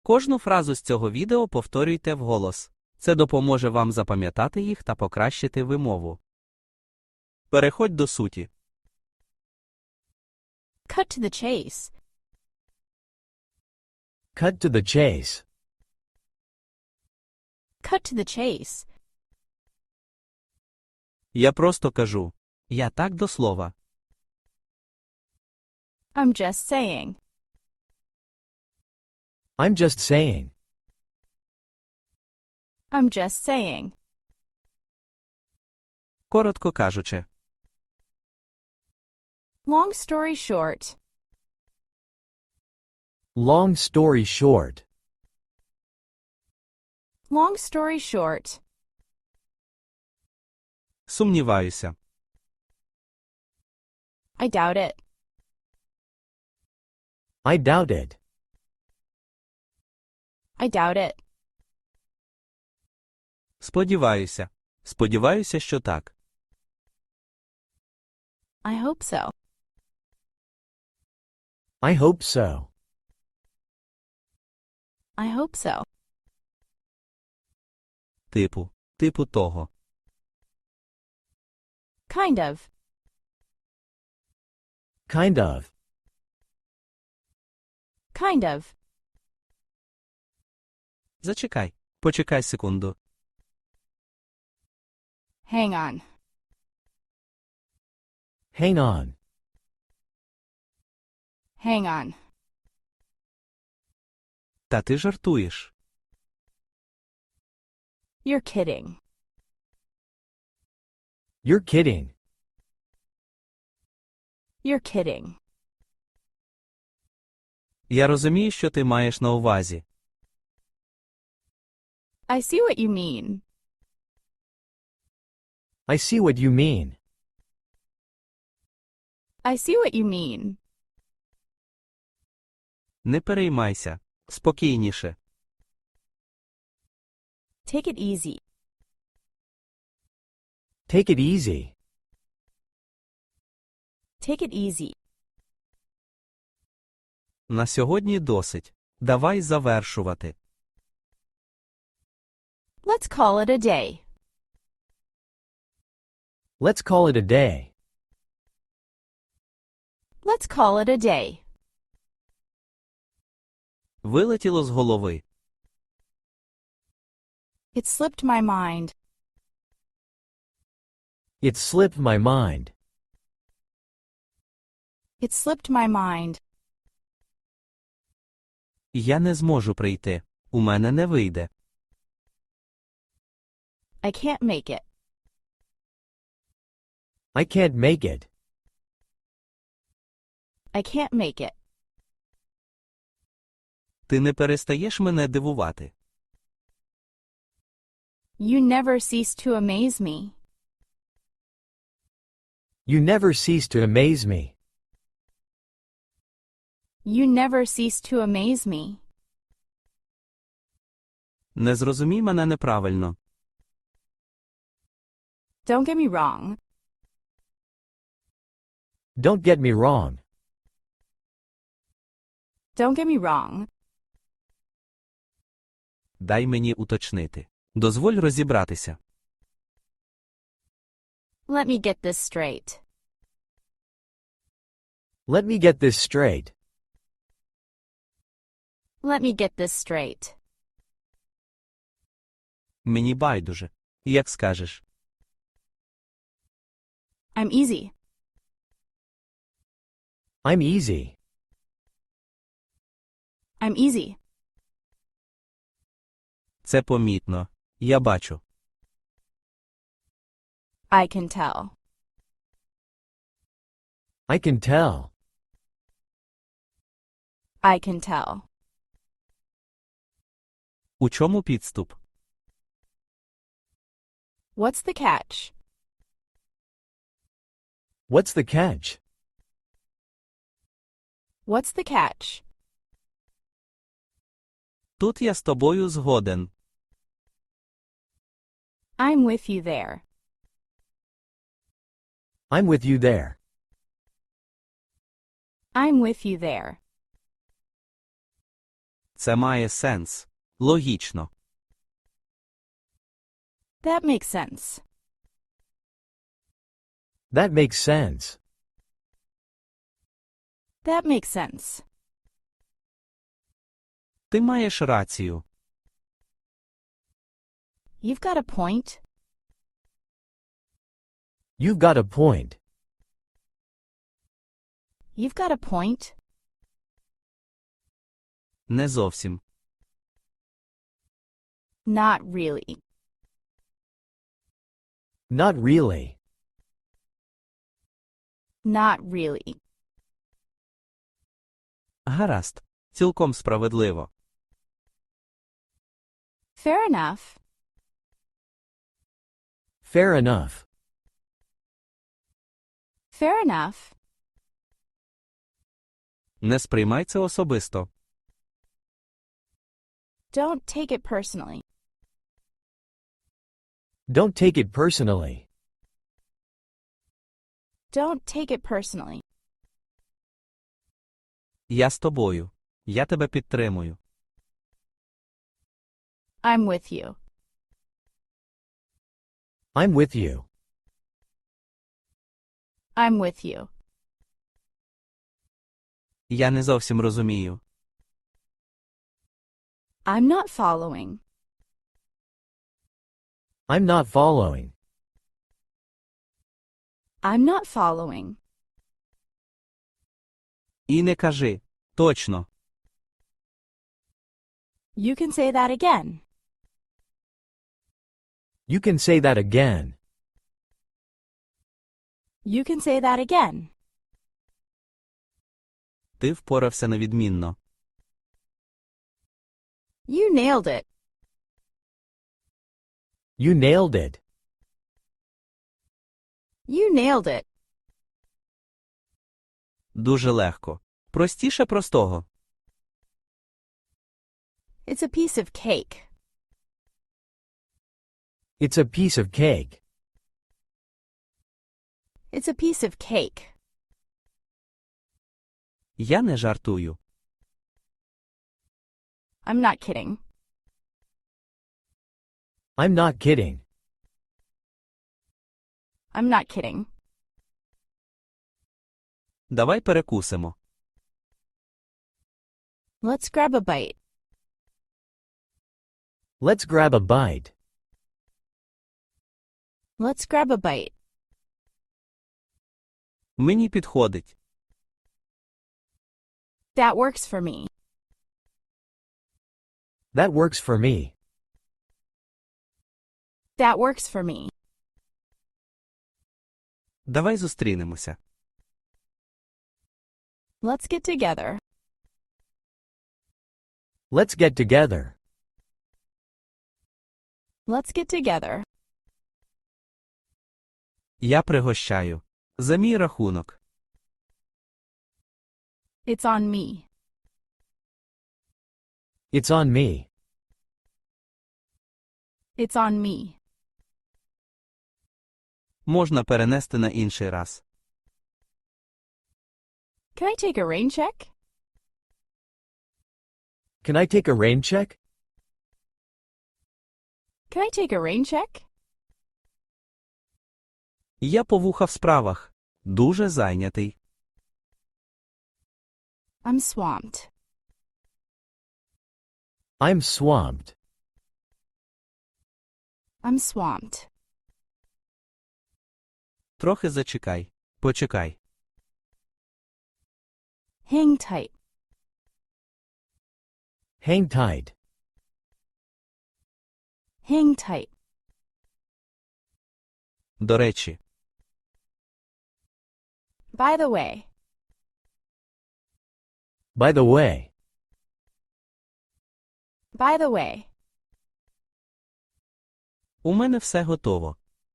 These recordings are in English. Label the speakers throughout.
Speaker 1: Кожну фразу з цього відео повторюйте вголос. Це допоможе вам запам'ятати їх та покращити вимову. Переходь до суті.
Speaker 2: Cut to the chase.
Speaker 3: Cut to the chase.
Speaker 2: Cut to the chase.
Speaker 1: Я просто кажу. Я так до слова.
Speaker 2: I'm just saying.
Speaker 3: I'm just saying.
Speaker 2: I'm just saying.
Speaker 1: Коротко кажучи.
Speaker 2: Long story short.
Speaker 3: Long story short.
Speaker 2: Long story short.
Speaker 1: Сумніваюся.
Speaker 2: I doubt it.
Speaker 3: I doubt it.
Speaker 2: I doubt it.
Speaker 1: Сподіваюся. Сподіваюся, що так.
Speaker 2: I hope so.
Speaker 3: I hope so.
Speaker 2: I hope so.
Speaker 1: Типу того.
Speaker 2: Kind of.
Speaker 3: Kind of.
Speaker 2: Kind of.
Speaker 1: Зачекай. Почекай секунду.
Speaker 2: Hang on.
Speaker 3: Hang on.
Speaker 2: Hang on.
Speaker 1: Та ти жартуєш.
Speaker 2: You're kidding.
Speaker 3: You're kidding.
Speaker 2: You're kidding.
Speaker 1: Я розумію, що ти маєш на увазі.
Speaker 2: I see what you mean.
Speaker 3: I see what you mean.
Speaker 2: I see what you mean.
Speaker 1: Не переймайся. Спокійніше.
Speaker 2: Take it easy.
Speaker 3: Take it easy.
Speaker 2: Take it easy.
Speaker 1: На сьогодні досить. Давай завершувати.
Speaker 2: Let's call it a day.
Speaker 3: Let's call it a day.
Speaker 2: Let's call it a day.
Speaker 1: Вилетіло з голови.
Speaker 2: It slipped my mind.
Speaker 3: It slipped my mind.
Speaker 2: It slipped my mind.
Speaker 1: Я не зможу прийти. У мене не вийде.
Speaker 2: I can't make it.
Speaker 3: I can't make it.
Speaker 2: I can't make it.
Speaker 1: Ти не перестаєш мене дивувати.
Speaker 2: You never cease to amaze me.
Speaker 3: You never cease to amaze me.
Speaker 2: You never cease to amaze me.
Speaker 1: Не зрозумій мене неправильно.
Speaker 2: Don't get me wrong.
Speaker 3: Don't get me wrong.
Speaker 2: Don't get me wrong.
Speaker 1: Дай мені уточнити. Дозволь розібратися.
Speaker 2: Let me get this straight.
Speaker 3: Let me get this straight.
Speaker 2: Let me get this straight.
Speaker 1: Мені байдуже. Як скажеш.
Speaker 2: I'm easy.
Speaker 3: I'm easy.
Speaker 2: I'm easy.
Speaker 1: Це помітно. Я бачу.
Speaker 2: I can tell.
Speaker 3: I can tell.
Speaker 2: I can tell.
Speaker 1: У чому підступ?
Speaker 2: What's the catch?
Speaker 3: What's the catch?
Speaker 2: What's the catch?
Speaker 1: Тут я з тобою згоден.
Speaker 2: I'm with you there.
Speaker 3: I'm with you there.
Speaker 2: I'm with you there.
Speaker 1: Це має сенс. Логічно.
Speaker 2: That makes sense.
Speaker 3: That makes sense.
Speaker 2: That makes sense.
Speaker 1: Ти маєш рацію.
Speaker 2: You've got a point.
Speaker 3: You've got a point.
Speaker 2: You've got a point.
Speaker 1: Не зовсім.
Speaker 2: Not really.
Speaker 3: Not really.
Speaker 2: Not really.
Speaker 1: Гаразд. Цілком справедливо.
Speaker 2: Fair enough.
Speaker 3: Fair enough.
Speaker 2: Fair enough.
Speaker 1: Не сприймай це особисто.
Speaker 2: Don't take it personally.
Speaker 3: Don't take it personally.
Speaker 2: Don't take it personally.
Speaker 1: Я з тобою. Я тебе підтримую.
Speaker 2: I'm with you.
Speaker 3: I'm with you.
Speaker 2: I'm with you.
Speaker 1: Я не зовсім розумію.
Speaker 2: I'm not following.
Speaker 3: I'm not following.
Speaker 2: I'm not following.
Speaker 1: І не кажи. Точно.
Speaker 2: You can say that again.
Speaker 3: You can say that again.
Speaker 2: You can say that again.
Speaker 1: Ти впорався на відмінно.
Speaker 2: You nailed it.
Speaker 3: You nailed it.
Speaker 2: You nailed it.
Speaker 1: Дуже легко. Простіше простого.
Speaker 2: It's a piece of cake.
Speaker 3: It's a piece of cake.
Speaker 2: It's a piece of cake.
Speaker 1: Я не жартую.
Speaker 2: I'm not kidding.
Speaker 3: I'm not kidding.
Speaker 2: I'm not kidding.
Speaker 1: Давай перекусимо.
Speaker 2: Let's grab a bite.
Speaker 3: Let's grab a bite.
Speaker 2: Let's grab a bite.
Speaker 1: Мені підходить.
Speaker 2: That works for me.
Speaker 3: That works for me.
Speaker 2: That works for me.
Speaker 1: Давай зустрінемося.
Speaker 2: Let's get together.
Speaker 3: Let's get together.
Speaker 2: Let's get together.
Speaker 1: Я пригощаю. За мій рахунок.
Speaker 2: It's on me.
Speaker 3: It's on me.
Speaker 2: It's on me.
Speaker 1: Можна перенести на інший раз.
Speaker 2: Can I take a rain check?
Speaker 3: Can I take a rain check?
Speaker 2: Can I take a rain check?
Speaker 1: Я по вуха в справах. Дуже зайнятий.
Speaker 2: I'm swamped.
Speaker 3: I'm swamped.
Speaker 2: I'm swamped.
Speaker 1: Трохи зачекай. Почекай.
Speaker 2: Hang tight.
Speaker 3: Hang tight.
Speaker 2: Hang tight.
Speaker 1: До речі.
Speaker 2: By the way.
Speaker 3: By the way.
Speaker 2: By the way.
Speaker 1: У мене все готово.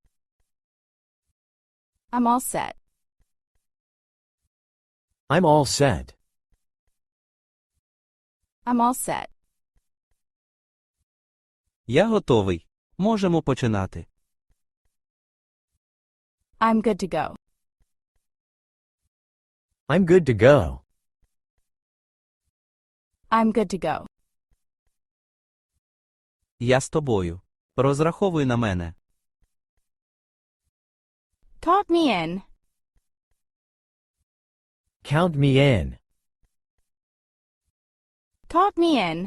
Speaker 2: I'm all set.
Speaker 3: I'm all set.
Speaker 2: I'm all set.
Speaker 1: Я готовий. Можемо починати.
Speaker 2: I'm good to go.
Speaker 3: I'm good to go.
Speaker 2: I'm good to go.
Speaker 1: Я з тобою. Розраховуй на мене.
Speaker 2: Count me in.
Speaker 3: Count me in.
Speaker 2: Count me in.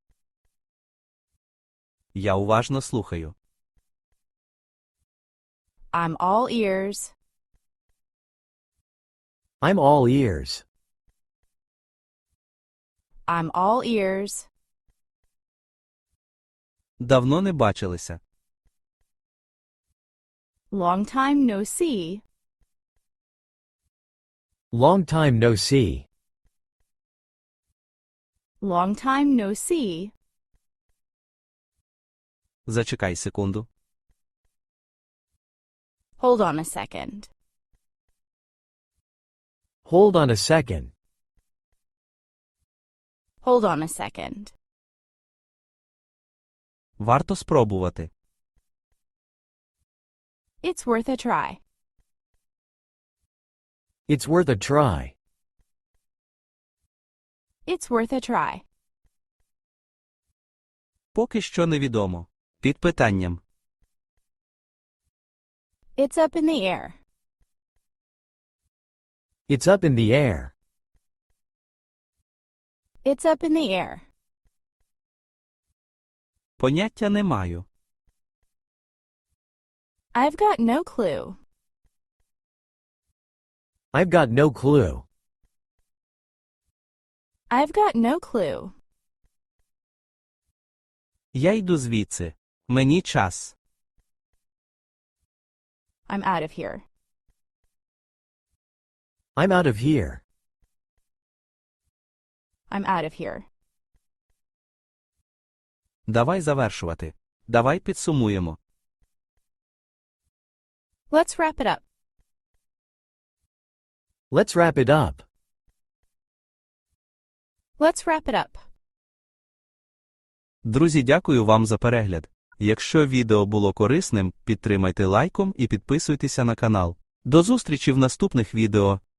Speaker 1: Я уважно слухаю.
Speaker 2: I'm all ears.
Speaker 3: I'm all ears.
Speaker 2: I'm all ears.
Speaker 1: Давно не бачилися.
Speaker 2: Long time no see.
Speaker 3: Long time no see.
Speaker 2: Long time no see.
Speaker 1: Зачекай секунду.
Speaker 2: Hold on a second.
Speaker 3: Hold on a second.
Speaker 2: Hold on a second.
Speaker 1: Варто спробувати.
Speaker 2: It's worth a try.
Speaker 3: It's worth a try.
Speaker 2: It's worth a try.
Speaker 1: Поки що невідомо. Під питанням.
Speaker 2: It's up in the air.
Speaker 3: It's up in the air.
Speaker 2: It's up in the air.
Speaker 1: Поняття не маю.
Speaker 2: I've got no clue.
Speaker 3: I've got no clue.
Speaker 2: I've got no clue.
Speaker 1: Я йду звідси. Мені час.
Speaker 2: I'm out of here.
Speaker 3: I'm out of here.
Speaker 2: I'm out of here.
Speaker 1: Давай завершувати. Давай підсумуємо.
Speaker 2: Let's wrap it up.
Speaker 3: Let's wrap it up.
Speaker 2: Let's wrap it up.
Speaker 1: Друзі, дякую вам за перегляд. Якщо відео було корисним, підтримайте лайком і підписуйтеся на канал. До зустрічі в наступних відео.